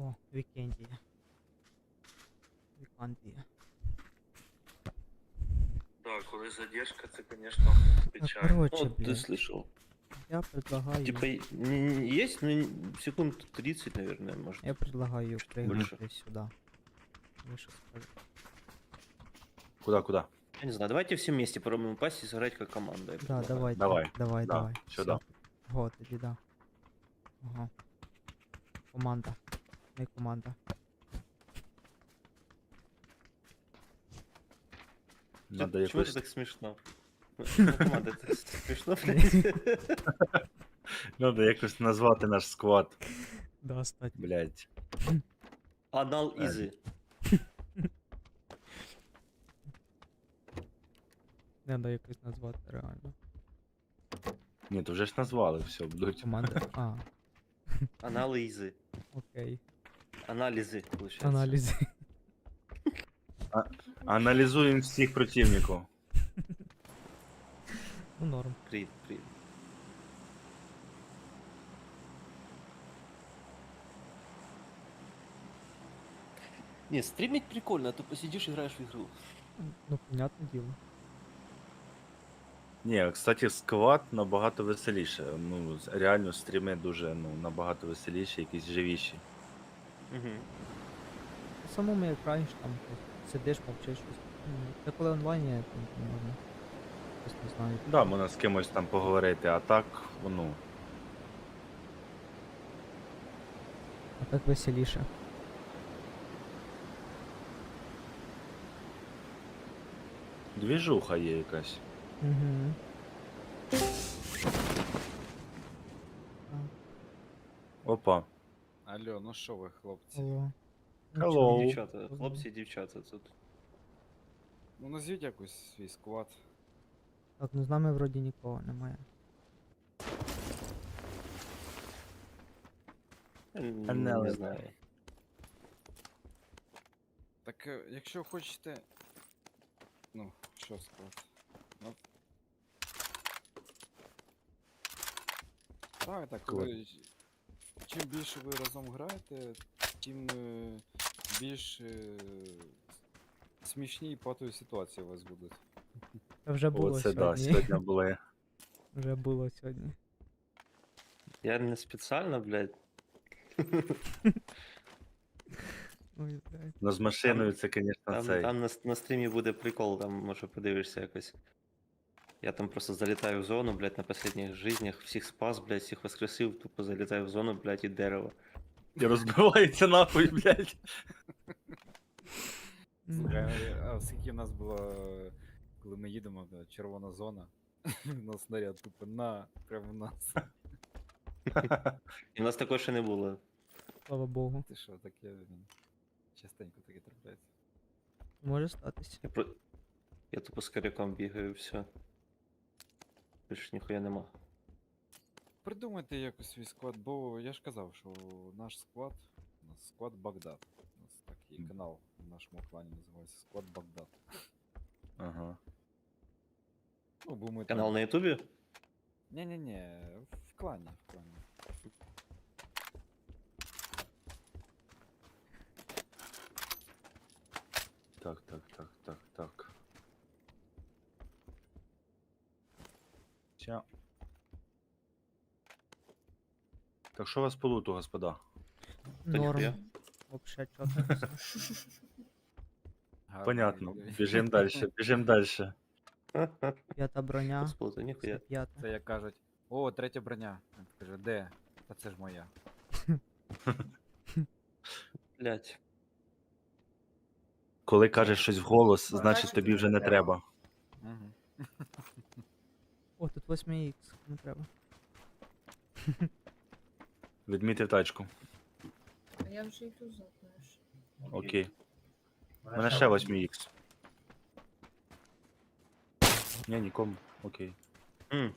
О, Вікендія. Вікандія. Да, коли задержка, це, конечно, Так, печально. короче, Ну, ты блядь, слышал. я предлагаю... Типа, есть, ну, секунд 30, наверное, может. Я предлагаю чуть прыгнуть больше. десь сюда. Ви що скажете? Куда? Я не знаю, давайте все вместе попробуем упасть и сыграть как команда. я Да, предлагаю. давайте. Давай. Давай, Да, давай. сюда. Всё. Го, тоді да. Ага. Команда. Ми команда. Надо Почему это якось... так смешно? Ну, команда, это смешно, блядь. Надо якось назвати наш склад, Да, стать. блядь. Анал Изы. Треба якось назвати реально. Ні, то вже ж назвали, все, будуть. Команда. А, Аналы Изы. окей. Анализы, получается. Аналізи. Аналізуємо всіх противників. Ну, норм. Привет, привет. Не, стримить прикольно, а то посидишь, играешь в игру. Ну, понятне діло. Ні, кстати, склад набагато веселіше. Ну, реально стріми дуже, ну, набагато веселіші, якісь живіші. Угу. В самому як граєш, там сидиш, мовчиш щось. Це коли онлайн є, там не можна. Щось не знаю. Да, можна з кимось там поговорити, а так, ну, А так веселіше. двіжуха є якась. Угу. Опа. Алло, ну що ви, хлопці? Алло. Hello. Дівчата, Поздно. хлопці і дівчата тут. Ну назвіть якось свій склад. Так, ну з нами вроді нікого немає. Не Анали. знаю. Так, якщо хочете. Ну, що склад? Ну. Так, коли. Чим більше ви разом граєте, тим більш смішні і патові ситуації у вас будуть. Це вже було Оце да, сьогодні. сьогодні були. Вже було сьогодні. Я не специально, блядь. Ой, блядь. Ну, з машиною це, звісно, Там, цей. там на стрімі буде прикол, там може подивишся якось. Я там просто залітаю в зону, блядь, на последних жизнях, всіх спас, блядь, всіх воскресив, тупо залітаю в зону, блядь, і дерево. І розбивається нахуй, блядь. Слухай, а скільки в нас було, коли ми їдемо, червона зона, у нас снаряд тупо прямо в нас. І в нас такого ще не було. Слава Богу. Ти що, таке частенько таке трапляється. Може статись. Я тупо з коряком бігаю, все. Більше ніхуя нема. Придумайте якось свій склад, бо я ж казав, що наш склад, у нас склад Багдад. У нас такий канал в нашому клані називається Склад Багдад. Ага. Ну, бо ми Канал на ютубі? Ні-ні-ні, в клані, в клані. Так. Ча. Так що у вас по луту, господа? Норм. ніхуя. Вообще чотко. Гарно Понятно. виглядає. Біжим дальше. П'ята броня. Господи, ніхуя. 105. Це як кажуть, о, третя броня. Він каже, де? Та це ж моя. Блядь. Коли кажеш щось вголос, значить тобі вже не треба. Угу. О, тут 8х. Не треба. Відмітив тачку. А я вже йду знаєш. Окей. У мене ще 8х. Ні, нікому. Окей. М,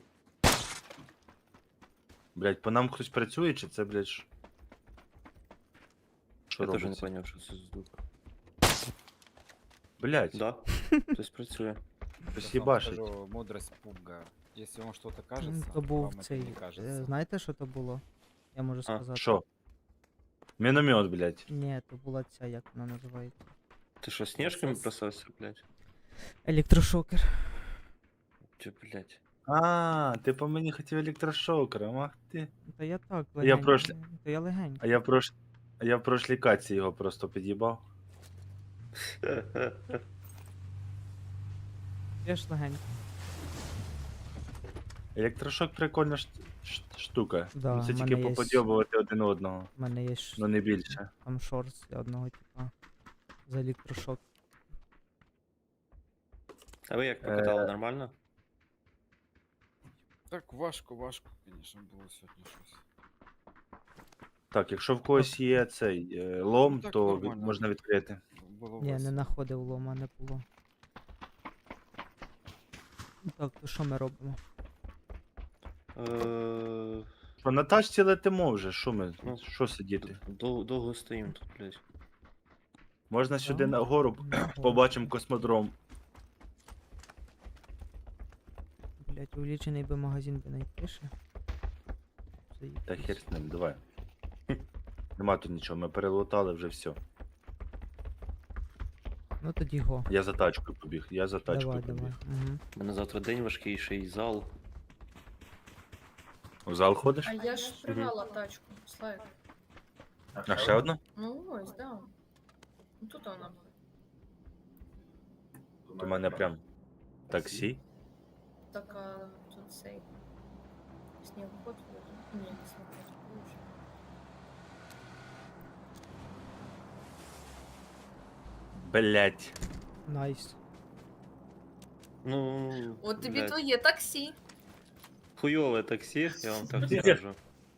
Блять, по нам хтось працює, чи це, блять, що Я теж не робиться? поняв, що це за звук. Блять, Да, хтось працює. хтось їбашить. Скажу, мудрость пуга. Если вам что-то кажется, То був вам это цей. не кажется. Знаєте, що то було? Я можу А, сказати. Що? Міномет, блядь. Ні, то була ця, як вона називається. Ти що, сніжками бросався, блядь? Електрошокер. Чи, блядь? А, ти по мені хотів електрошокером, ах ти. Та я так, Я легенько. прошлі- Та я легенько. А я в прошлій каці його просто під'їбав. Я ж легенько. Електрошок прикольна штука. Да, Ну, це в тільки мене є поподьобувати один одного, У мене є ж ну не більше. там шорт для одного типа. За електрошок. А ви як покатали, нормально? Так, важко, звісно, було сьогодні щось. Так, якщо в когось є цей лом, Ну, так то нормально. можна відкрити. Було Ні, не весело. знаходив лома, не було. Ну так, то що ми робимо? Що на тачці летимо вже, що ми? Ну, Що сидіти? Довго стоїм тут, блядь. Можна сюди Да. нагору, Нагору. побачимо космодром. Блять, увеличений би магазин би найпише. Та хер з ним, давай. Нема тут нічого, ми перелутали вже все. Ну тоді го. Я за тачкою побіг, я за тачкою Давай, побіг. давай. Угу. У мене завтра день важкий зал. В зал ходиш? А я ж пригнала тачку, Славик. А ще одна? Ну ось, да. Ну тут вона. У мене прям таксі. Така тут цей. Снігоход вроде. Ні, не снігоход. Боже. Блять. Найс. Ну, От тобі блядь, твоє таксі. хуйове таксі, я вам так Ні. скажу.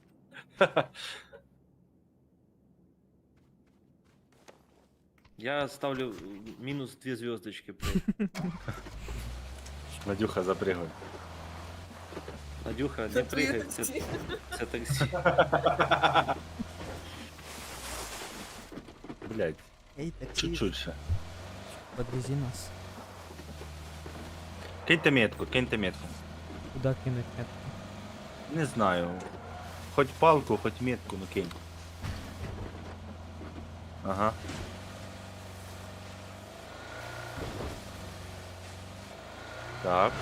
Я ставлю мінус 2 звездочки, блядь. Надюха, запригай. Надюха, Це не твоє пригай, таксі. це таксі. Блять, Ей, таксі, чуть-чуть ще. подвези нас. Киньте метку, киньте метку. Куда кинуть метку? Не знаю. Хоть палку, хоть метку, ну кинь. Ага. Так.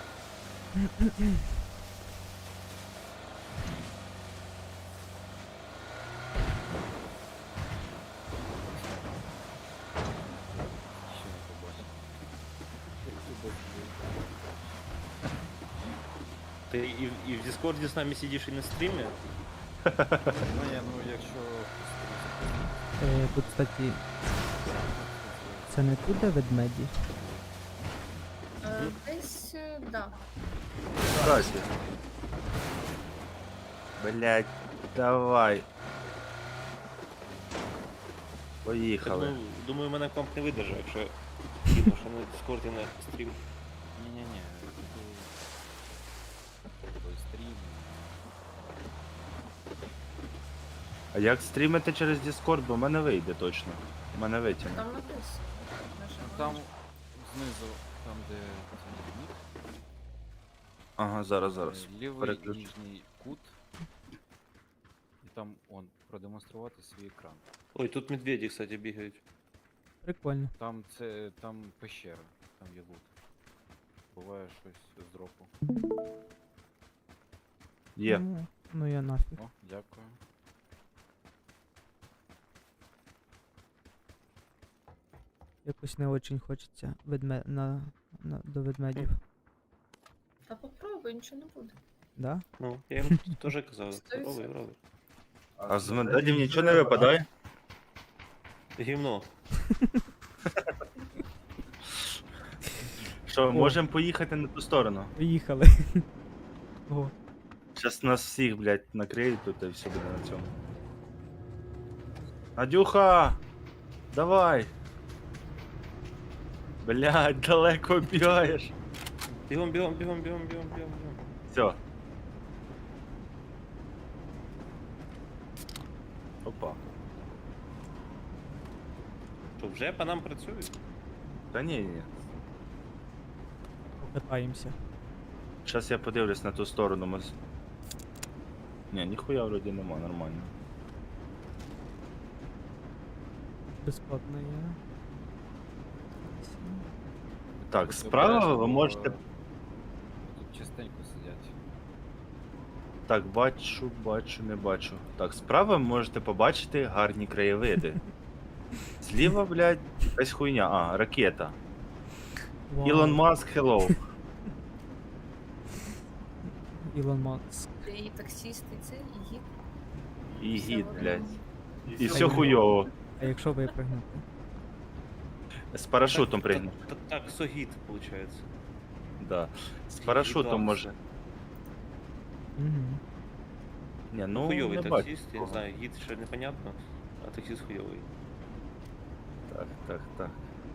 Ще не побачив. Ти і в Дискорді з нами сидиш і на стрімі? Ну, якщо... Тут, кстати, це не тут, де ведмеді? Десь, да. Здрасте. Блять, давай. Так, Поїхали. ну, думаю, мене комп не видержав, якщо кину, що на Дискорді на стрім. Ні-ні-ні, той стрім. А як стрімити через Discord, бо в мене вийде точно. В мене витягне. Там написано. Там знизу, там де цей нік, Ага, зараз. лівий переключу. нижній кут. І там продемонструвати свій екран. Ой, тут медведі, кстати, бігають. Прикольно. Там пещера, там є лут. Буває щось з дропу. Є. Ну я нафіг. О, дякую. Якось не очень хочеться до ведмедів. Та попробуй, нічого не буде. Да? Ну, я їм теж казав. 100%. Робив. А з медалів нічого не випадає? Гімно. Що, можемо поїхати на ту сторону? Поїхали. О, Зараз нас всіх, блядь, накриють тут і все буде на цьому. Надюха! Давай! Блядь, далеко бігаєш. Бігом. Все. Опа. Що, вже по нам працюють? Та ні. покатаємося. Зараз я подивлюсь на ту сторону. Ні, ніхуя вроді нема, нормально. Безплатно є. Так, Будьте справа обережні, ви бо можете. Тут частенько сидять. Так, бачу, не бачу. Так, справа ви можете побачити гарні краєвиди. Зліва, блядь, якась хуйня. А, ракета. Ілон Маск, hello. Ілон Маск. І таксіст, і це, і гід. І Все гід, в блядь. одному. І все хуйово. А якщо випрыгнути? З парашутом пригнув. Так, согід, виходить. Да. З парашутом може. Угу. Ні, ну Хуйовий не бачу. таксист, я не знаю, гід ще непонятно, а таксист хуйовий. Так.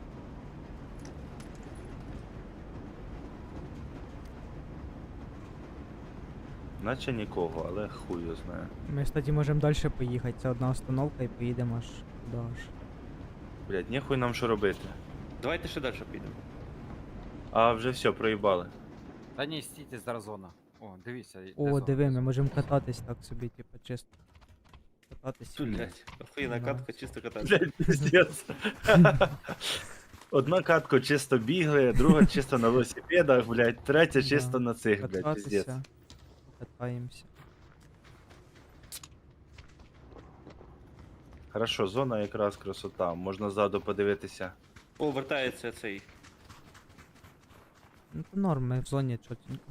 Наче нікого, але хуй його знає. Ми, кстати, можемо далі поїхати. Це одна остановка і поїдемо аж туди аж. Блядь, ніхуй нам що робити. Давайте ще далі підемо. А вже все, проїбали. Та ні, стійте, зараз зона. О, дивіться. йде О, зона, диви, де ми зона. можемо кататись так собі, типу, чисто. Кататись. Блять, охуєнна Да. катка, чисто кататися. Блядь, пиздец. Одна катку чисто бігли, друга чисто на велосипедах, блядь, третя Да. чисто на цих, блядь, пиздец. Кататися. Катаємося. Хорошо, зона якраз красота. Можна ззаду подивитися. О, вертається цей. Ну то норм, ми в зоні чотенько.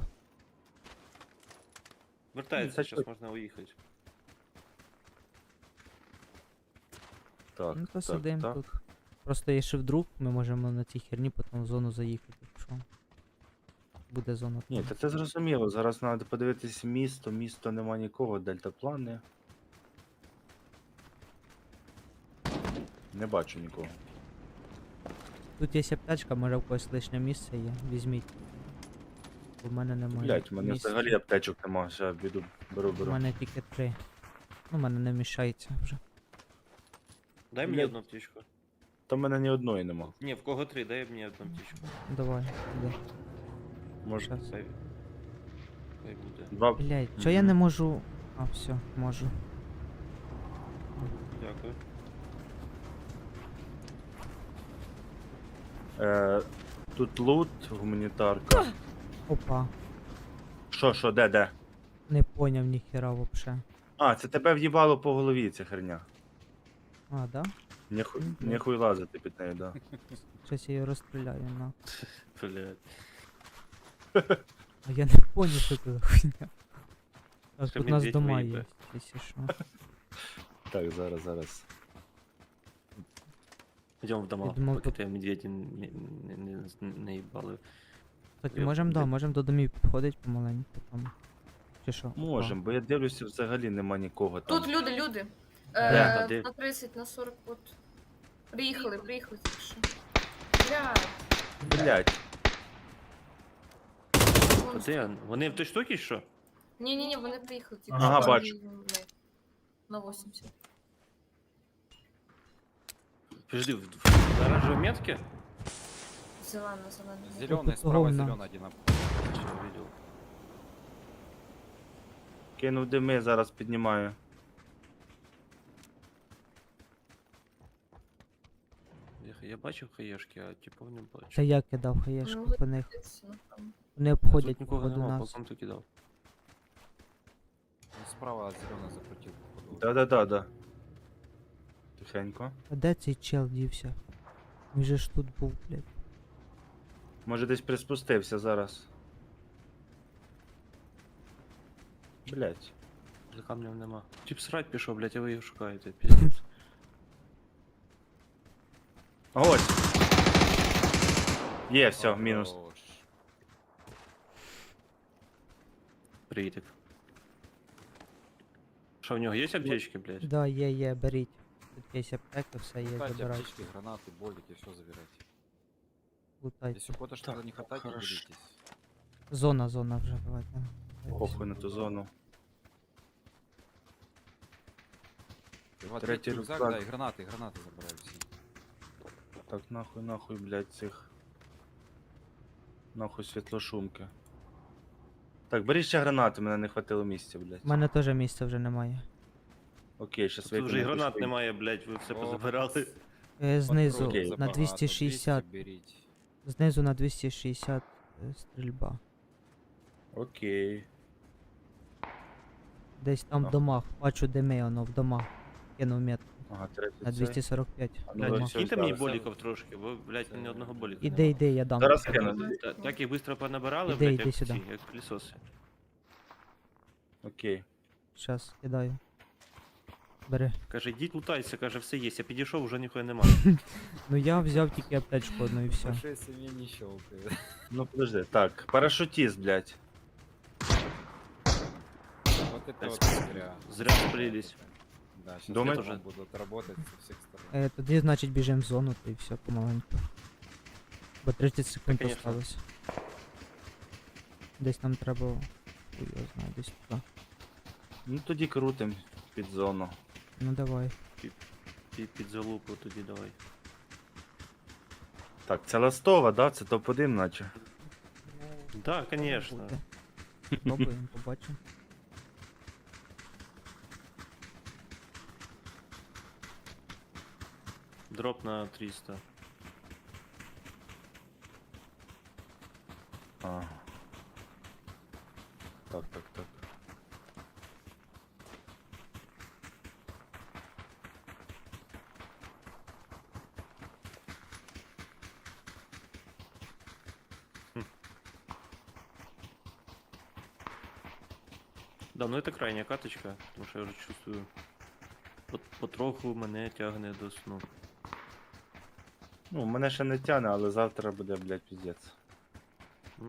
Вертається, так зараз можна уїхати. Так, Ну то так, сидим так. тут. Просто якщо вдруг, ми можемо на цій херні потім в зону заїхати, якщо буде зона. Ні, там. та це зрозуміло. Зараз треба подивитися місто нема нікого, дельтаплани. Не бачу нікого. Тут є аптечка, може в когось лишнє місце є. Візьміть. У мене немає. Блять, у мене місця. взагалі аптечок нема, ще беру. У мене тільки 3. Ну, в мене не вміщається вже. Дай мені Блядь. одну птічку. Та в мене ні одної нема. Ні, в кого 3, дай мені одну птічку. Давай, іди. Може, Щас. Хай буде. два. Блять, чого я не можу. А, все, можу. Дякую. Тут лут, гуманітарка. Опа. Що, де? Не поняв ніхера вообще. А, це тебе в'їбало по голові, ця херня. А, да? Ніхуй лазити під нею, да. Щось я її розстріляю, на. Блять. А я не поняв, що це за хуйня. Так, Ще тут у нас медведь дома виїбе. є, якщо що. Так, зараз. Йдемо в дома, Я думав, поки тут- тебе медведі не їбали. Кстати, Я- можемо, да, я- можемо до домів підходити помаленьку там. Чи що? Можем, бо я дивлюся, взагалі нема нікого там. Тут люди. Де? Де? На 30, на 40, от. Приїхали тільки що. Бля, Блять, вон Де? Вони в той штуці, що? Ні, вони приїхали тільки Ага, що. бачу. На 80. Подожди, в оранжевой метке? Зелена. Зеленый, тут справа говно. зеленый один. Что увидел? кинув дими, зараз піднімаю. Я бачив хаєшки, а типу не бачу. Це я кидав хаєшку Ну, по них. Ну, там. Вони обходять Тут нікого походу нема, нас. полком ти кидав. Ну, справа зеленый закрутил. походу. Да. Тихенько. А де цей чел дівся? Він же ж тут був, блядь. Може десь приспустився зараз. Блять. За камнем нема. Тип срать пішов, блядь, а ви його шукаєте, піздець. Ось. Є, все, мінус. Хорош. Приїтик. Що, в нього є аптечки, блядь? Да, є, беріть. Тут є аптека, все є, Кстати, забирайте. аптечки, гранаты, болики, все забирайте. Лутайте. Если куда-то что-то Так, не хватает, не хорошо. делитесь. Зона вже, давайте. Похуй на ту зону. Вот, Третий рюкзак, рюкзак. да, и гранаты забираю все. Так, нахуй, блять, цих. Нахуй світлошумки. Так, беріть ще гранати, мене не хватило місця, блять. У мене теж місця вже немає. Окей, щас Тут вже і викину. гранат немає, блядь, ви все позабирали. Знизу Окей. на забагато, 260. 200 беріть. Знизу на 260 стрільба. Окей. Десь там в Ага. домах. Бачу дими, воно в домах. Кинув метку. Ага, третій На цей. 245. А в ну, Блядь, домах. все, киньте мені зараз. боліков трошки, бо, блядь, ні одного боліка. Іди, я дам. Зараз тобі. кину. Так їх швидко понабирали, Іди, блядь, іди як сюди. ці, як пилісоси. Окей. Щас, кидаю. Бери. Каже, йдіть лутайся, каже, все є. Я підійшов, вже ніхуя немає. Ну я взяв тільки аптечку одну і все. Большой семье не щелкает. Ну подожди. Так, парашутист, блядь. Вот это Так, вот зря. Зря сплілись. Да, сейчас Думаете? тоже будут работать со всех сторон. Тоді, значить, біжимо в зону, то і все помаленьку. Бо 30 секунд конечно. осталось. Десь нам треба. Хуй його знаю, десь туди. Ну тоді крутим під зону. Ну давай. Під залупу тоді давай. Так, це Ластова, да? Це топ-1 наче. Да, конечно. Буде. Спробуємо, побачимо. Дроп на 300. Ага. Так, так, так. Да, ну это крайня каточка, тому що я вже чувствую. Потроху мене тягне до сну. Ну, мене ще не тяне, але завтра буде, блядь, піздець. Мгм.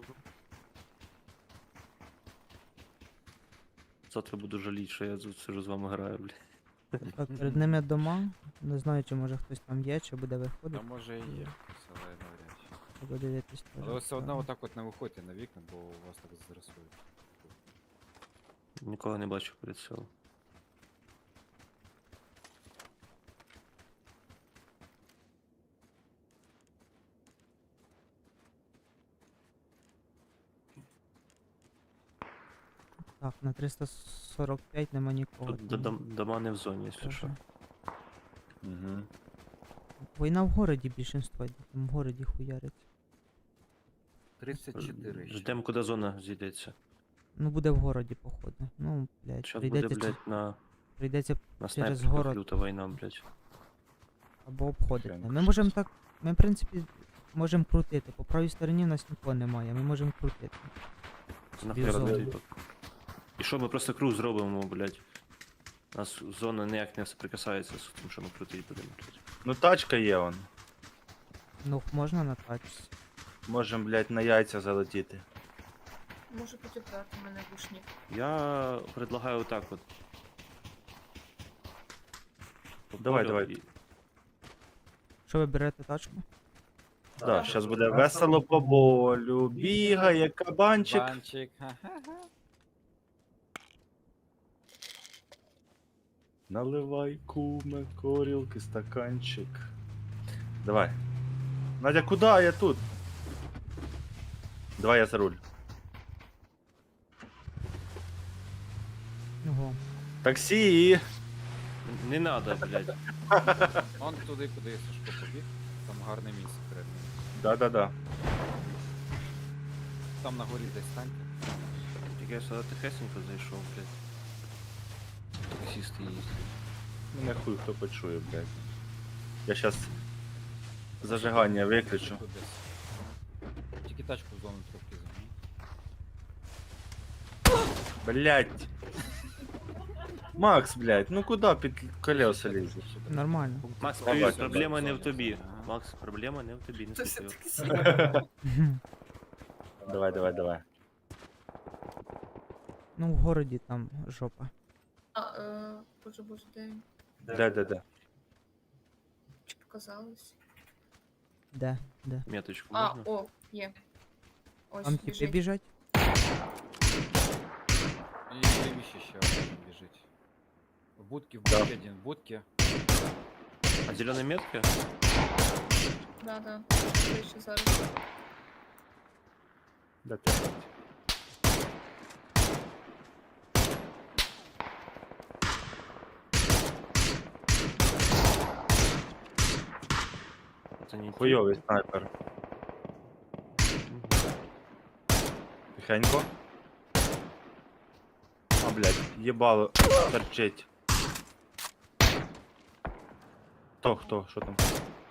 Завтра буду жаліти, що я тут сижу з вами граю, блядь. Так, перед ними дома. Не знаю, чи може хтось там є, чи буде Та виходити. може і є, але навряд чи. Треба дивитись теж. Але ви все одно Так. отак от не виходьте на вікна, бо вас так зрисують. Нікого не бачу перед селом. Так, на 345 нема нікого. Тут там дома не в зоні, якщо теж. що. Угу. Війна в городі більшинство, там в городі хуяриться. 34 ще. Ждемо, куди зона зійдеться. Ну буде в городі, походу. Ну, блядь, Зараз буде, прийдеться, блядь, прийдеться на через снайперках город. люта війна, блядь. або обходити. Прям Ми можемо щось. так. Ми, в принципі, можемо крутити. По правій стороні в нас нікого немає, ми можемо крутити. Нахуя зону. робити? І що, ми просто круг зробимо, блядь. У нас зона ніяк не соприкасається з тим, що ми крутити будемо, блядь. Ну тачка є он. Ну, можна на тачці. Можем, блядь, на яйця залетіти. Може підібрати мене гушник. Я предлагаю так от. По Давай, полю давай. і- Що ви берете тачку? Да, зараз буде весело по болю. Бігає кабанчик. Банчик, ха-ха-ха. Наливай, куме, корілки, стаканчик. Давай. Надя, куди? Я тут. Давай я за руль. Ого. Таксі! Не надо, блядь. Он туди, куди Сашко побіг. Там гарне місце перед ним. Да-да-да. Там на горі десь станьте. Тільки я сюди тихесенько зайшов, блядь. Таксісти їздять. Мене хуй хто почує, блядь. Я щас зажигання виключу. Тут десь. Тільки тачку в зону трохи замінь. Блядь. Макс, блядь, ну куди під колеса лізеш? Нормально. Макс, Давай, привіт, давай, проблема не в давай. тобі. Ага. Макс, проблема не в тобі, не Це слухаю. все-таки Давай, давай, давай. Ну, в городі там жопа. Боже, де він? Да-да-да. Чи показалось? Де? Де? Меточку А, можна? о, є. Ось, Там типи біжить. біжать? І лівіше ще один біжить. В будці, Да. один в будці. А зелена метка? Да. Ближче зараз. Да ти, блядь. Останній тіп. Хуйовий снайпер. Мгм. Тихенько. А, блядь, їбало торчить. Хто? Що там?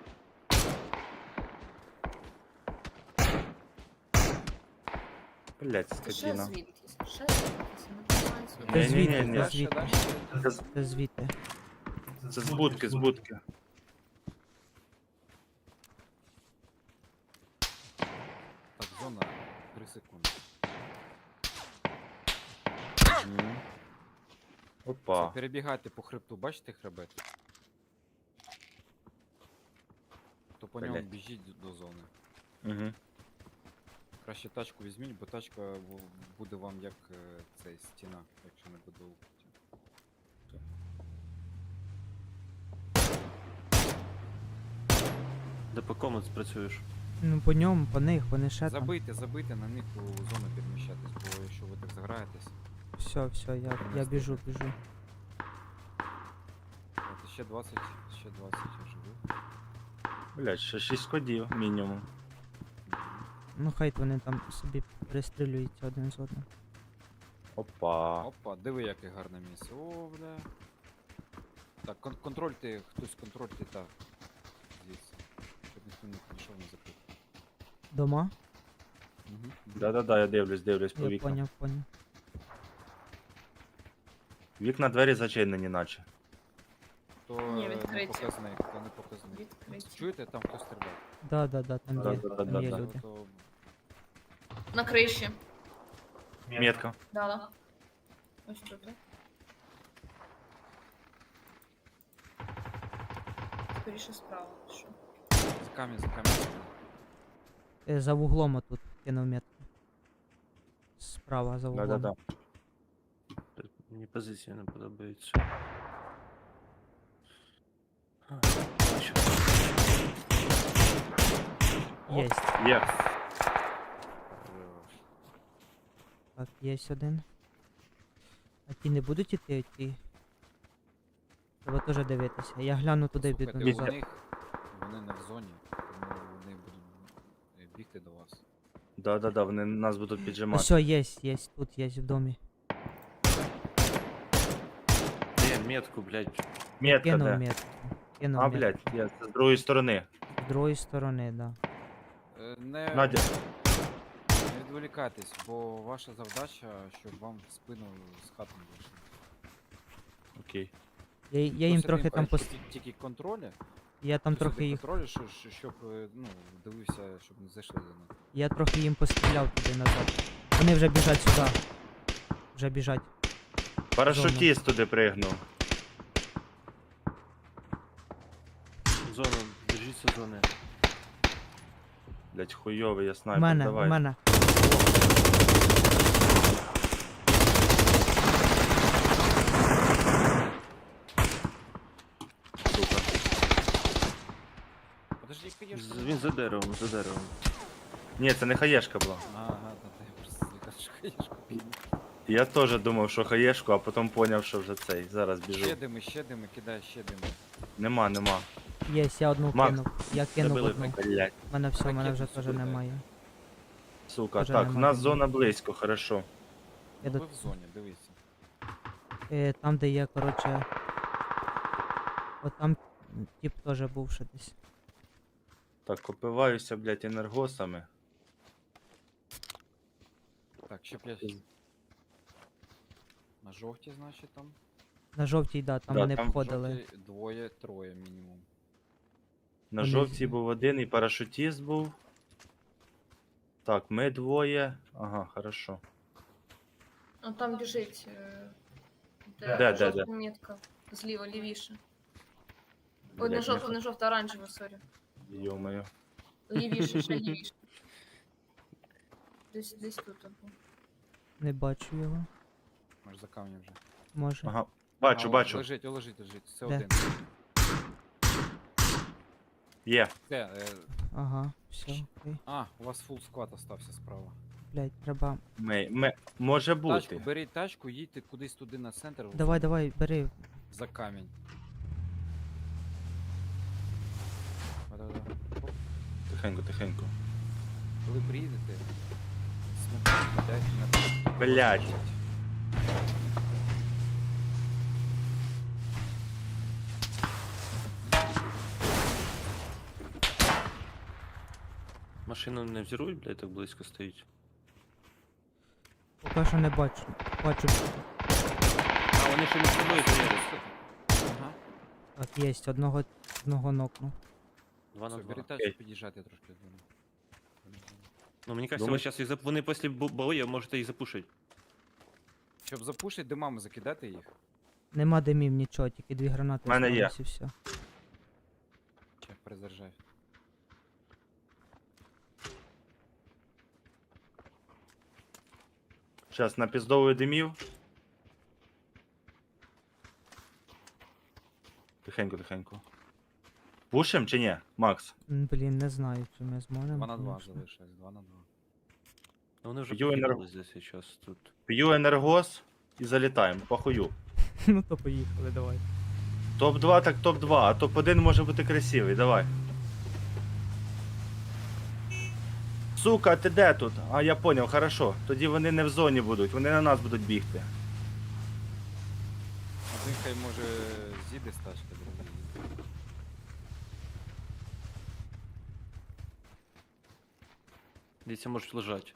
Блядь, Це ще скотина. звідкись. Ще звідкись. Не тримайся. Це Ні, звідти, ні, ні. це Дальше, звідти. дальше. Це звідти. Це з будки. Так, зона 3 секунди. Мгм. Це Опа. перебігайте по хребту, бачите хребет? То по ньому Блядь. біжіть до зони. Угу. Краще тачку візьміть, бо тачка буде вам як цей стіна, якщо не буде укриття. Де по кому ти працюєш? Ну по ньому, по них, вони ще там. Забийте на них у зону переміщатись, бо якщо ви так заграєтесь, Все, я біжу. от ще 20 я живу. Блядь, ще 6 кодів мінімум. Ну хай вони там собі перестрілюються один з одним. Опа. Опа, диви, яке гарне місце. О, бля. Так, контрольте, хтось контрольте так. Звідси. Щоб ніхто не підійшов не закрив. Дома? Угу. Да-да-да, я дивлюсь по Я вікнам. поняв. Вікна двері зачинені, наче. Хто Ні, не відкриті. показний, хто не показний. Відкриті. Чуєте, там хтось стріляє? Да, там є, Да-да-да, там є да. люди. То На криші. Метка. Да. Ось тут. да. Скоріше справа. Що? за камінь. За вуглом отут кинув метку. Справа за вуглом. Да-да-да. Мені позиції не подобаються. Що? Єсть. Є. Хорош. Так, є один. А ті не будуть іти, ті? Треба теж дивитися. Я гляну туди Слухайте, піду у назад. них вони не в зоні, тому вони будуть бігти до вас. Да-да-да, вони нас будуть піджимати. Все, є, тут є в домі. Де метку, блядь. Метка, Кинув де? метку. Кинув А, метку. блядь, я з другої сторони. З другої сторони, да. Не, Надя. не відволікайтесь, бо ваша завдача, щоб вам в спину з хати не вийшли. Окей. Я їм трохи там Тільки контролі. Я там Посади трохи їх. контролі, щоб ну, дивився, щоб не зайшли до них. Я трохи їм постріляв туди назад. Вони вже біжать сюди. Вже біжать. Парашутіст туди пригнув. Зона, держіться зони. Блядь, хуйовий я У снайпер, мене, давай. у мене. Сука. Подожди, конечно. Він за деревом. Ні, це не хаєшка була. Ага, да, я просто кажу, що хаєшку піду. Я теж думав, що хаєшку, а потім поняв, що вже цей. Зараз біжу. Ще дими, кидай ще дими. Нема. Є, я одну Макс, кинув. Я кинув забили одну. Блядь. У мене все, у мене вже Ракету теж сюди дай. немає. Сука, Вже так, в нема нас диму. зона близько, хорошо. Я Ну, до- ви в зоні, дивіться. Там, де є, коротше. От там тип теж був ще десь. Так, опиваюся, блядь, енергосами. Так, ще 5. На жовтій, значить, там. На жовтій, да, там Да, вони там входили. Жовтій двоє, троє мінімум. На Вони жовтій з- був один і парашутіст був. Так, ми двоє. Ага, хорошо. А там біжить. Де? Жовта метка. Зліва, лівіше. Ой, не Блядь, жовта, оранжева, сорі. Йо-моє. Лівіше, ще лівіше. Десь тут. або. Не бачу його. Може за камнем вже. Може. Ага. А, Бачу. Лежить. Це Де? один. Є. Це, Ага, все, окей. у вас фул склад остався справа. Блять, треба. Може Тачку, бути. беріть тачку, їдьте кудись туди на центр. Давай, бери. За камінь. Да-да-да. Оп. Тихенько, тихенько. Коли приїдете, смотрите, дайте на Блядь. Машину не взірують, блядь, так близько стоїть. Поки що не бачу. Бачу. А вони ще між собою стоять. Ага. Так, є, одного нокну. 2 на Все, 2. бери тачку, під'їжджайте трошки до мене. Ну мені кажется, Думаєш? ви зараз вони після бою можете їх запушити. Щоб запушити димами, закидати їх. Нема димів, нічого, тільки 2 гранати. В мене є. осталось і все. Чек, перезаряджай. Зараз напіздовую димів. Тихенько, тихенько. Пушим чи ні, Макс? Блін, не знаю, чи ми зможемо. 2 на 2 конечно. залишилось, 2 на 2. Ну вони вже Б'ю енерго- поїхали здесь зараз тут. П'ю енергос і залітаємо, похую. Ну то поїхали, давай. Топ-2 так топ-2, а топ-1 може бути красивий, давай. Сука, ти де тут? А, я поняв, хорошо. Тоді вони не в зоні будуть, вони на нас будуть бігти. Один хай може з'їде з тачки, другий їде. Дивіться, можуть лежати.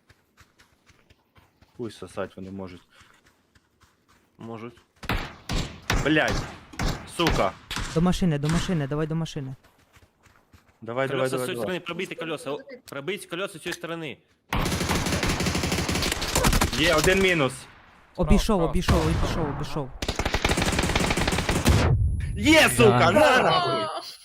Пусть сосать вони можуть. Можуть. Блять! Сука! До машини, давай до машини. Давай, давай, Колеса з давай, цієї давай. сторони, пробийте колеса. Пробийте колеса з цієї сторони. Є, один мінус. Обійшов. Є, сука, Да. на нахуй! А,